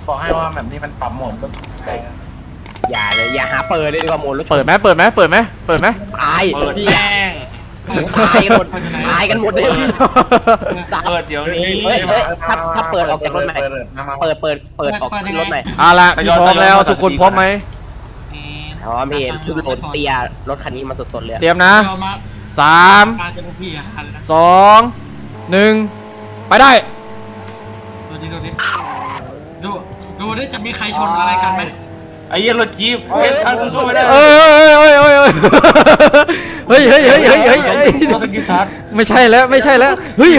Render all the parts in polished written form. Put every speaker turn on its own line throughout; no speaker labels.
บอกให้ว่าแบบนี้มันปรับโหมดก็ได้
อย่าเลยอย่าหาเปิดเลยดีกว่าโหมดรถ
เปิดไหมตาย
เปิดแม่ง
ตายกันหมดตายกันหมดเลย
เปิดเดี๋ยวนี้
เฮ้ยถ้าเปิดออกจากรถใหม่เปิดออกรถใหม่
เอาละพี่พร้อมแล้วทุกคนพร้อมไหม
พร้อมพี่เพิ่งโหลดเตียรถคันนี้มาสดๆเลย
เตรียมนะ
มา
3
มาจะพวกพี่อ่ะหันแล้ว
2 1ไปได้
ดูดิจะมีใครชนอะไรกันไหม
ไอ้เหี้ยรถจี๊ปเฮ้ยทันกูสู้ไม่ได้
เอ้ยเฮ้ยเฮ้ย
รถสกิซัด
ไม่ใช่แล้วไม่ใช่แล้วเฮ้ย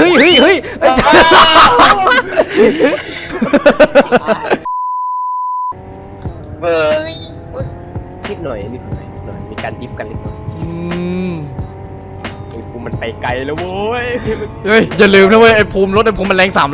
นิดหน่อยมีการดิฟกันนิดหน่อยไอ้ภูมิมันไปไกลแล้วโว้ย
เฮ้ยอย่าลืมนะเว้ยไอ้ภูมิรถไอ้ภูมิมันแรง300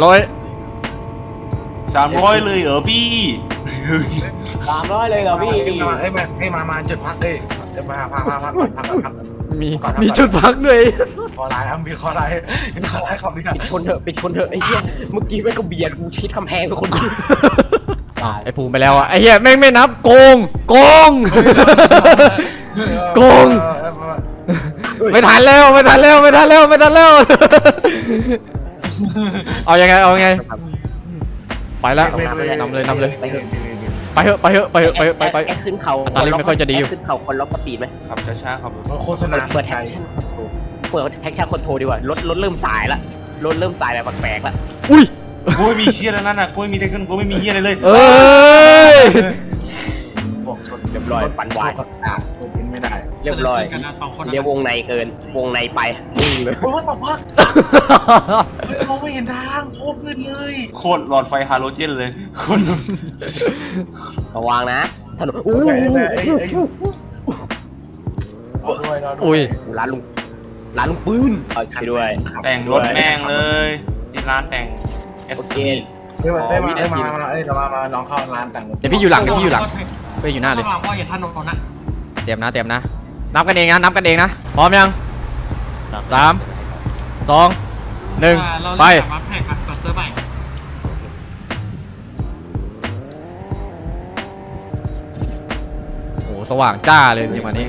300เลยเหรอพี่
300เลยเหรอพี่
มาจุดพักมาพัก
มีจุดพักด้วย
ขอไลน์มีขอไลน์คำนี้
ปิดชนเถอะไอ้เหี้ยเมื่อกี้แม่งก็เบียดกูชิดกำแพงกับคนดู
ไอ้ภูมิไปแล้วอ่ะไอ้เหี้ยแม่งไม่นับโกงไม่ทันแล้ว เอายังไงไปแล้วนำเลยไปเถอะไป
แอคขึ้นเขา
ตาลิงไม่ค่อยจะดีอยู่
ขึ้นเขาคนล็อกสปีดไหม
ขับช้าๆขับ
โฆษณา
เปิดแท็กชั่นคอนโทรดีกว่ารถเริ่มสายละรถเริ่มสายแบบแปลกๆละ
อุ้ย
กูไม่มีเชี่ยแล้วนั่นน่ะกูไม่มีเทคนิคกูไม่มีเหี้ยอะไรเลย
เอ้ย
บอกชน
เรียบร้อยปั่นวาย
บินไม่ได้
เรียบร้อย
กันนะสองคน
เรียกวงในเกินวงในไปนิ่งเลย
โอ้ยบอกว่ามองไม่เห็นทางโคตรมืดเลย
โคตรหลอดไฟฮาโลเจนเลยคน
ระวังนะถนน
ด้วย
อุ้ย
ร้านลุงปืนไปด้วย
แต่งรถแม่งเลยที่ร้านแต่งเอส
โอเค
ที
มาลองเข้าร้านแต่ง
เดี๋ยวพี่อยู่หลังไปอยู่หน้าเลย
ระหว่างว่าอย่าถนนนะ
เตรียมนะนับกันเองนะพร้อมยัง3 2 1ไป
มาแข่งกับเซิร์ฟใหม่
โอ้สว่างจ้าเลยจริงวันนี้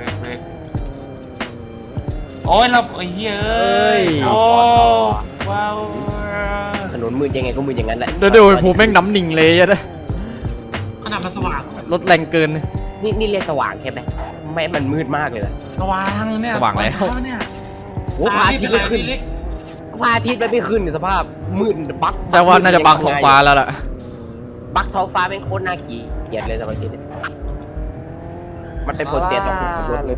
โอ้ยเราไอ้เหี้ยโอ้ว้าว
ถนนมืดยังไงก็มืดอย่างนั้นแหละ
เดี๋ยวผมแม่งน้ำหนิ่งเลยอะ
ขนาดมันสว่าง
รถแรงเกิน
นี่เรียกสว่างใช่ไหมไม่มันมืดมากเลย
สว่างเนี่ยเนี่ย
โอ้พระอาทิตย์ไม่ขึ้นพระอาทิตย์ไม่ขึ้นสภาพมืดบั๊ก
แต่ว่าน่าจะบังท้องฟ้าแล้วล่ะ
บั๊กท้องฟ้าเป็นโคตรน่าเกลียดเลยสมัยนี้มันเป็นผลเสียต่อผู้ขับรถเลย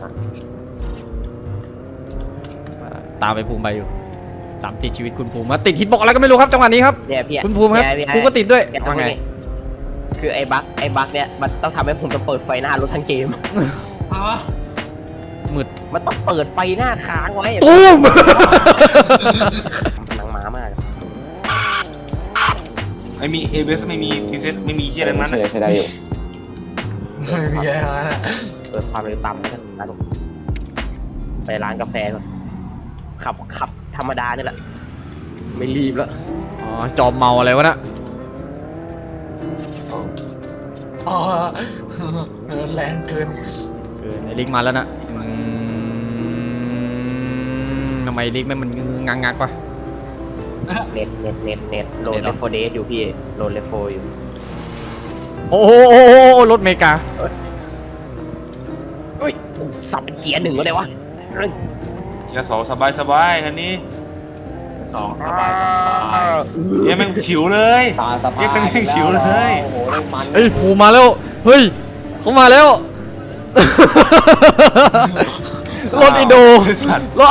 ตามไปภูมิไปอยู่ตามติดชีวิตคุณภูมิมาติดฮิตบอกอะไรก็ไม่รู้ครับจังหวะนี้นี้ครับ
เนี่ยพี่
คุณภูมิครับภูมิก็ติดด้วยว่าไง
คือไอ้บั๊กเนี่ยมันต้องทำให้ผมต้องเปิดไฟหน้ารถทั้งเกม
มืด
มันต้องเปิดไฟหน้าค้างไว้
ตุ้ม
หนังม้ามาก
ไม่มีเอเวสไม่มีทีเซตไม่มีเชี่ยอะไรนั้น
ใช่ได้อยู่
ไม่มีอะไรนะ
เปิดความเร็วต่ำนะครับไปร้านกาแฟก่อนขับธรรมดานี่แหละไม่รีบแล้ว
อ๋อจอมเมาอะไรวะน่ะ
อ๋อแรงเกิน
ไอ้ลิกมาแล้วนะทำไมลิกมันงักวะ
เน็ตโหลดเลฟโฟเดสอยู่พี่โหลดเลฟโฟอยู่
โอ้โหรถเมกา
เฮ้ยสับเป็นเกียร์หนึ่งก็ได้วะ
ยาสองสบายคันนี้
2สบาย
เฮ้ยแม่งฉิวเลย
ตาสบาย
เฮ้ยคันนี้แม่งฉิวเลย
โอ้โหเรื่องมัน
เฮ้ยภูมิมาแล้วเฮ้ยเขามาแล้วรถอินโดรถ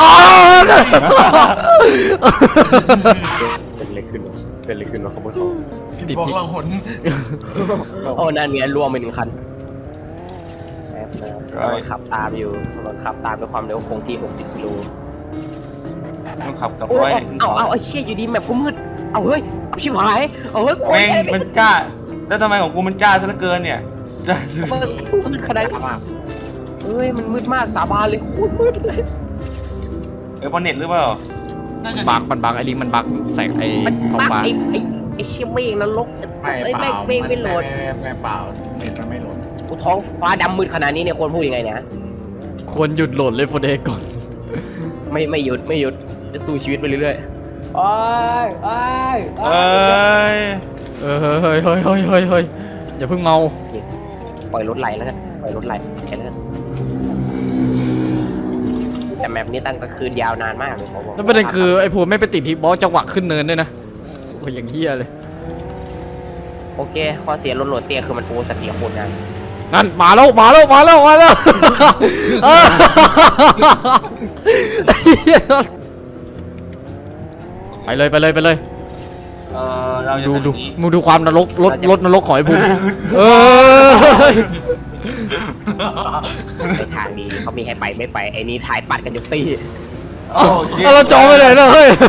เป็นอะไรขึ้นวะขบวนเขา
บอกเราหน
โอ้นั่นไงรวมไป1 คันแป๊บนะรถขับตามอยู่รถขับตามด้วยความเร็วคงที่60 กิโล
ต้องขับกับ
โอ้
ไว้
เอาไอ้เชี่ยอยู่ดีแมปกูมืดเอาเฮ้ยชิบหายเอาเฮ้ย
แม่งมันจ้าแล้วทำไมของกูมันจ้าซะเหลือเกินเนี่ยจ้า
มืดขนาดเฮ้ยมันมืดมากสาบานเลยโคตรมืดเลย
เพราะเน็ตหรือเปล่า
มันบักไอ้ลิกมันบักแสงไอ้
มัน
ท้อง
บัก
ฟ้า
ไอ้ไอ้เชี่ยเมฆนรก
ไม่
ไอ้
เป
เม
ล่า
ฆไม่โหลด
ไม่เปล่าเน็ตมันไม่โหลด
กูท้องฟ้าดำมืดขนาดนี้เนี่ยควรพูดยังไงเนี่ย
ควรหยุดโหลดเลยโฟเดก่อน
ไม่หยุดจะสู้ชีวิตไปเรื่อยๆโอ้ย
เอ้ย
เฮ้ยอย่าเพิ่งเมา
ปล่อยรถไหลแล้วกันปล่อยรถไหลแค่นั้นแต่แมปนี้ตั้งแต่คืนยาวนานมากเลยผมบอก
แล้วประเด็นคือไอ้พูไม่ไปติดที่บอสจังหวะขึ้นเนินด้วยนะโอ้ยอย่างเฮียเลย
โอเคข้อเสียรถโหลดเตี้ยคือมันโอ้สติโคตรนาน
นั่นมาแล้วเออไปเลย
เราจะ
ดู
ทำอย่างนี้
มึงดูความนรกรถนรกของไอ้ภูมิ
ในทางดีเขามีให้ไปไม่ไปไอ้นี่ท้ายปัดกันยุตี
เราจองไปเลยนะเฮ้ย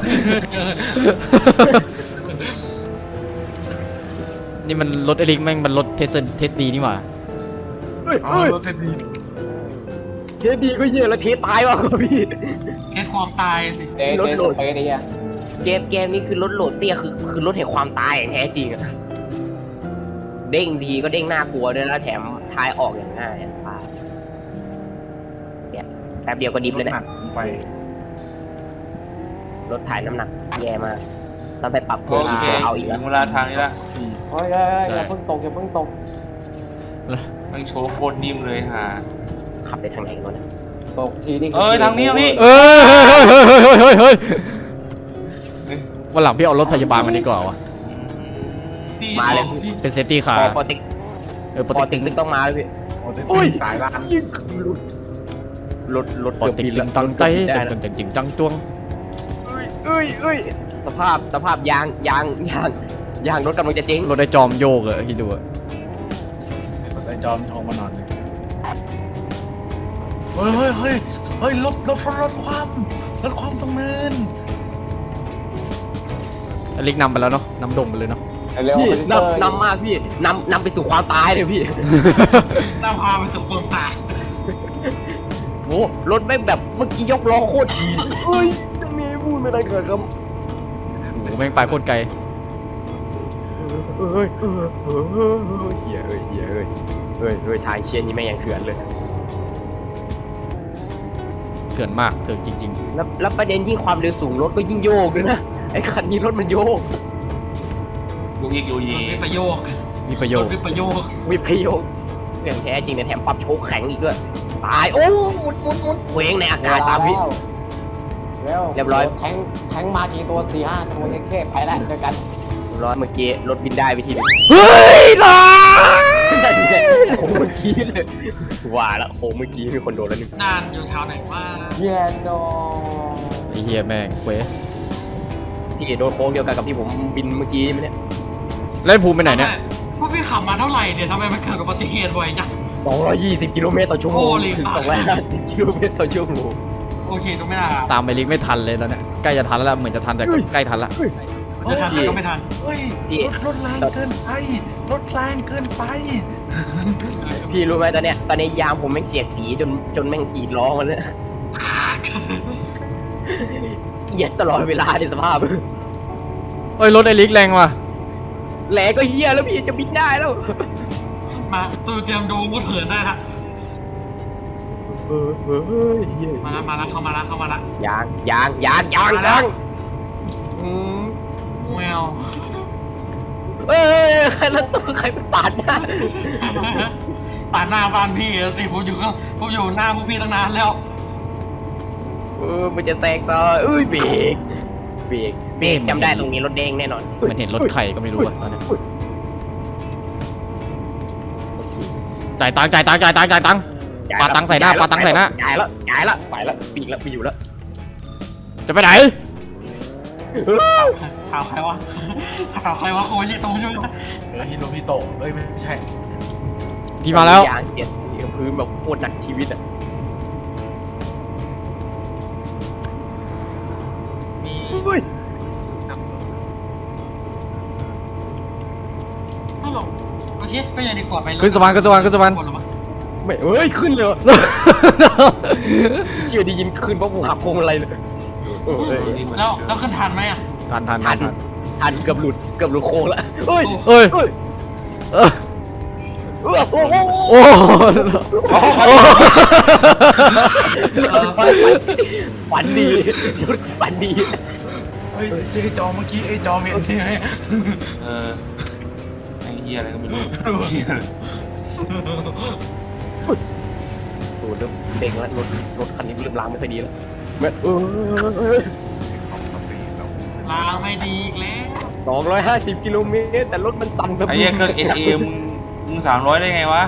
นี่มันรถไอริกแม่งมันรถเทสดีนี่หว่า
อ๋อรถเทนนิส
เทดีก็เยอะแล้วเทตายว่ะพี่
แค่ความตายสิ
รถโหลดเกมนี้คือรถโหลดเตี้ยคือรถแห่งความตายอย่างแท้จริงอะเด้งทีก็เด้งน่ากลัวด้วยแล้วแถมท้ายออกอย่างง่ายสบายเนี่ยแป๊บเดียวก็ดิฟเลย
ห
นะ
นักไป
รถถ่ายน้ำหนักแย่มากต้องไปปรับ
โอ
เพิ่ม
เค
เอาอีก
ถึ
แล้ว
งเวลาทางนี้ละ
อย่าเพิ่งตก
มันโชว์โคตรนิ่มเลยฮะ
ขับไปทางไหนก่อนนะ
ทางนี้พี่
เฮ้ยวันหลังพี่เอารถพยาบาลมาดีกว่าวะ
พี่
มาเลย
พี่
เป็นเซฟตี้คา
พอ
ร์
ปอติก
ป
ป
อ
อ
ติ
ติ
ก
กนึกต้องมาเลยพี่
โอ้เทนนิสตายร้าน
รถ
ปอติกตึงตังไตตึงจริงจังจ้วง
เอ้ยสภาพยางรถกำลังจะเจ๊ง
รถได้จอมโยกอะคิดดูอะ
ไอ้จอมทองมานอนเลยเฮ้ยรถความตรงเนิน
อลิกนำไปแล้วเนาะนำดงไปเลยเนาะ
พี่นำมากพี่นำไปสู่ความตายเลยพี่
น่าพาไปสู่ความตาย
โอ้รถแม่งแบบเมื่อกี้ยกล้อโคตรดีเฮ้ยจะมีพูดไม่ได้เกิดครับ
โอ้แม่งไปโคตรไกล
เฮ้ยทางเชียร์นี่แม่งยังเถื่อนเลย
เถื่อนมากเถื่อนจริง
แล้วประเด็นยิ่งความเร็วสูงรถก็ยิ่งโยกด้วยนะไอ้คันนี้รถมันโยก
ยูยิกยู
ร
ยี
ถวิปโยค
ๆมีประโยชน์
วิปโยค
วิพโยกเรื่องแท้จริงเนี่ยแถมปรับโชคแข็งอีกด้วยตายโอ้หมุนเวงในอากาศ3 วิเรียบร้อย
แทงมากี่ตัว4-5ตัวแค่ไปแล้วเจอกัน
เรียบร้อยเมื่อกี้รถบินได้ไปทีนึง
เฮ้ยล่ะ
โอ้เมื่อกี้เลยว่าแล้วโอ้เมื่อกี้มีคนโดนแล้วนึง
นานอยู่แถวไหนว่า
เย็นโด
ไอ้เฮียแม่งเว้ย
พี่โดนโค้งเดียวกันกับที่ผมบินเมื่อกี้ไหมเนี่ย
แล้วไอ้ภูมิไปไหนเนี่ย
พวกพี่ขับมาเท่าไหร่เนี่ยทำไมมันเกิดอุบัติเหตุบ่อยจัง
220 กิโลเมตรต่อชั่วโมง
โอ้ลิง
ถึง250 กิโลเมตรต่อชั่วโมง
โอเคต้องไม่น่า
ตามไอลิกไม่ทันเลยตอนเนี้ยใกล้จะทันแล้วล่ะเหมือนจะทันแต่ก็ใกล้ทันละ
จะทันก็ไม่ทัน
เฮ้ยรถแรงเกินไป
พี่รู้ไหมตอนเนี้ยยางผมแม่งเสียดสีจนแม่งกรีดร้องมันเนี่ยเหยียดตลอดเวลาในสภาพ
เอ้ยรถไอลิกแรงว่ะ
แหลก็เฮียแล้วพี่จะบินได้แล้ว
มาตูเตรียมดูมุดเหินได้ละมาแล้วเข้ามาละ
ยาง
แมว
เอ้ยแล้วตัวใครไปปาดหน้า
ปาดหน้าบ้านพี่สิผมอยู่หน้าพวกพี่ตั้งนานแล้ว
มันจะแตกซะเอ้ยเบรกจำได้ตรงนี้รถแดงแน่นอน
มันเห็นรถไข่ก็ไม่รู้อะตอนเนี้ยจ่ายตังค์ปาตังค์ใส่หน้า
จ่ายละไปละสี่ละไปอยู่แล้ว
จะไปไหน
ข่าวใครวะโคชิโตใช่ไหม
ฮิโรฮิโตะไม่ใช่
พี่มาแล้ว
ยางเสียดพื้นแบบโคตรหนักชีวิตอ่ะ
มีตลกโอเคก็ยังดีกว่าไป
ขึ้นสะพาน
ไม่เอ้ยขึ้นเลยเชื่อได้ยินขึ้นเพราะกูหักพวงอะไรเลย
แล้วขึ้นทันไหมอ่ะ
ทัน
ทันเกือบหลุดโค้งแล้วเฮ้ย
เอ้ยเออ
โอ้โห
โอ้โห
ฝันดีฝันดี
เฮ้ยที่จอเมื่อกี้ไอ้จอเห็นใช่ไหม
ไอ้เหี้ยอะไรก็ไม่รู้
โอ้เริ่มเด้งแล้วรถคันนี้เริ่มล้างไม่ค่อยดีแล้ว
ของสปีดเรา
ลาไม่ดีอีกแล้ว
250 กิโลเมตรแต่รถมันสั่นแบบ
ไอ้เหี้ยเครื่อง NA มึง300ได้ไงวะ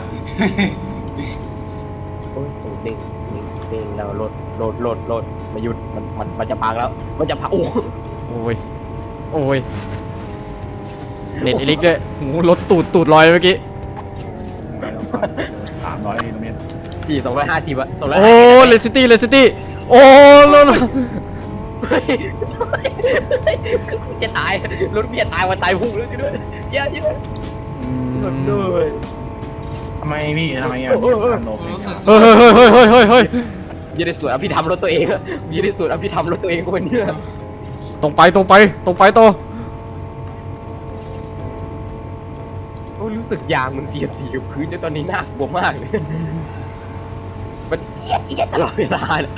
โอ้ยเด้งแล้วรถมาหยุดมันจะพังแล้วมันจะพังโอ้
โอ้ยโอ้ยเน็ตอิลิกด้วยหูรถตูดลอยเมื่อกี้
300กิโลเมตร
พี่250อะ250
โอ้เลสตี้โอ้รถ
กูจะตายรถพี่จะตายวันตายพุ่งแล้วด้วยเยอะด้วย
ทำไมพี่ทำไมอ่ะทำโนเป็น
เฮ้ย
ยี่ได้สวดอภิธรรมรถตัวเองอะยี่ได้สวดอภิธรรมรถตัวเองคนนี้
ตรงไปต่อ
โอ้รู้สึกยางมันเสียดสีกับพื้นตอนนี้น่ากลัวมากเลยมันเอียดตลอดเวลาเลย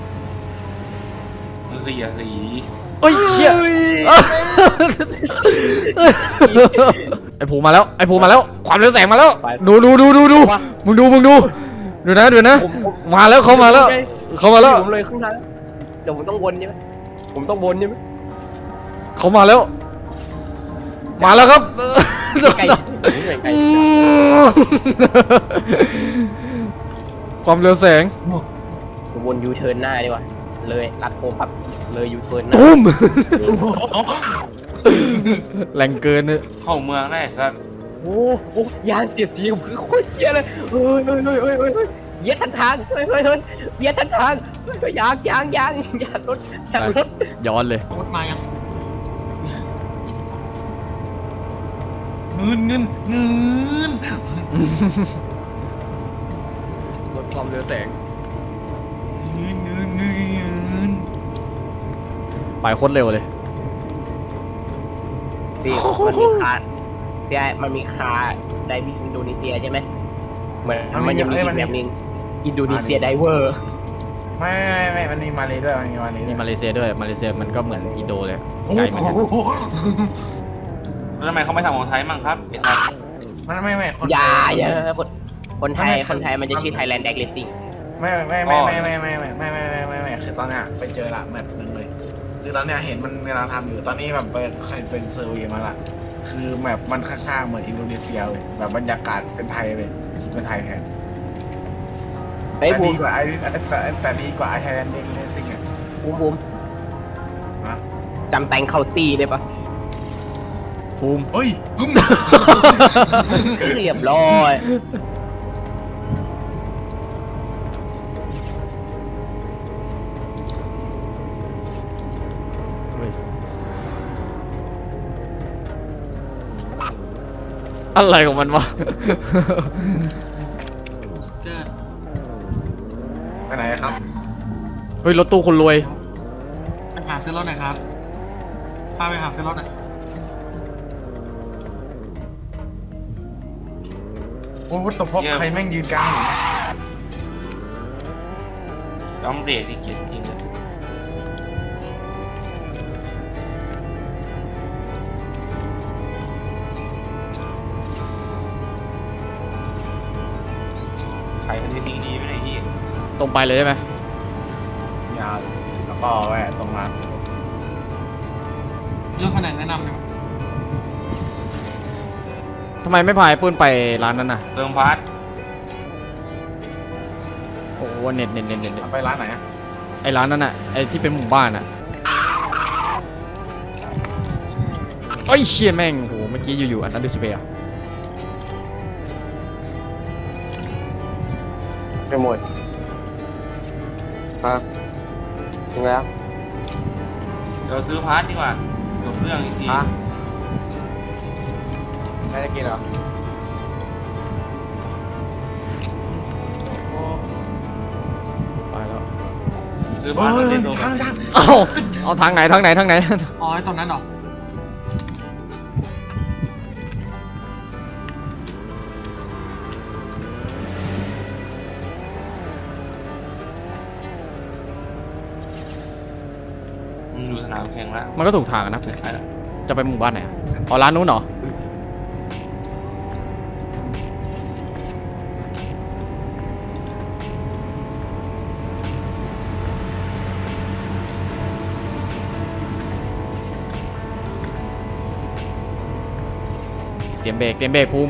มึงสีอะสี
เอ้ยเชี่ยไอ้ผูมาแล้วความเร็วแสงมาแล้วดูมึงดูนะมาแล้วเขามาแล้ว
ผมเลยข้างหน้าเดี๋ยวผมต้องวนใช่ไหม
เขามาแล้วครับ
ไกล
ความเร็วแสง
ผมวนยูเทิร์นหน้าดีกว่าเลยลัดโค้งปั๊บเลยยูเทิร์นหน้า
ตุ้มแรงเกินเนี่ย
เข้าเมืองได้สัส
โอ้ยางเสียดสีกับพื้นโคตรเหี้ยเลยเฮ้ยเหยียดทันทางเฮ้ยเหยียดทันทางยางรถ
ย้อนเลย
รถมายัง
เงิน
ลดความเร็วแสงไปโคตรเร็วเลย
พี่มันมีคาไดวิ่งอินโดนีเซียใช่ไหมเหมือนมันยังมีอีกแบบนึงอินโดนีเซียไดเวอร์
ไม่มันมีมาเลยด้วยมี
มาเลเซียด้วยมาเลเซียมันก็เหมือนอินโดเลยไกลเหมือนกัน
แล้วทำไมเขาไม่ทำของไทยมั่งครับไอ้สัส
ไม่คน
อย่าคนไทยมันจะชื่อ Thailand Drag Racing
ไม่คือตอนเนี้ยไปเจอละแมปนึงเลยคือตอนเนี้ยเห็นมันกำลังทำอยู่ตอนนี้แบบเป็นเซอร์เวย์มาละคือแมปมันข้างๆเหมือนอินโดนีเซียเลยแบบบรรยากาศเป็นไทยเลยเป็นไทยแทน
เฮ้ย
แต่
บู
ดี
ม
กว่าแต่ดีกว่าไทยแลนด์เด็กเลสซิ่งอ่ะ
บูม
ฮะ
จำแตงเคาน์ตี้ได้ปะ
ภูมิ
เฮ้ยกึ้ม
เรียบร้อย
อะไรของมันวะ
เกิด
ไปไหนครับ
เฮ้ยรถตู้คนรวย
ไปหาซื้อรถหน่อยครับพาไปหาซื้อรถหน่อย
โอ้ยตบพบใครแม่งยืนกลางอยู่
ย้อมเบรกที่เกียจจริงเลยใครคนนี้ดีไม่ได้ที่
ตรงไปเลยใช่ไหม
ยาวแล้วก็แวะตรงร้าน
เรื่องคนไหนแนะนำไหม
ทำไมไม่พายปืนไปร้านนั้นน่ะ
เติมพาร์ท
โอ้โหเน็ต
ไปร้านไหนอ่ะ
ไอ้ร้านนั้นน่ะไอ้ที่เป็นหมู่บ้านน่ะเอ้ยเชี่ยแม่งโหเมื่อกี้อยู่ๆอันนั้นดิสเพย์
ไปหมดครับถึงแล้ว
เดี๋ยวซื้อพาร์ทดีกว่าเดี๋ยวเครื่องอีกที
ไม่ได้กินเหรอ
ไปแล้ว
ซื้อพาร์ทมาเล่นตัว
ทาง
เอาทางไหน
อ๋อไอ้ตรงนั้นเหรอ
แข่งละ
มันก็ถูกทางอะนะ
ไปละ
จะไปหมู่บ้านไหนอะอ๋อร้านนู้นเหรอเตรียมเบรกภูมิ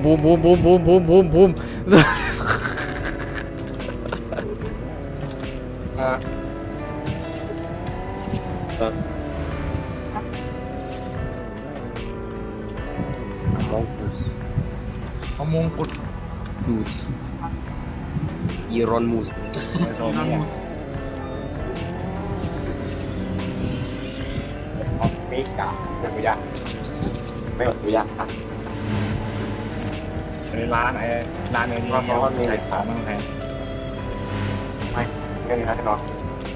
เอามงกุฎ
มูสอีรอนมูส
ในโซนนี้อะ
มิกะไม่รู้ยังไม่รู้ยังอ่ะ
ในร้านนี้ใส่ของมันแพง
เรื่องนี้นะที่นอน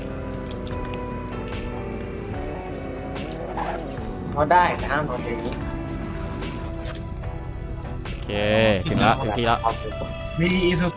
ก็ได้แต่ห้ามนอนอย่างนี้
โอเคถึงที่แล้ว
มีอีซู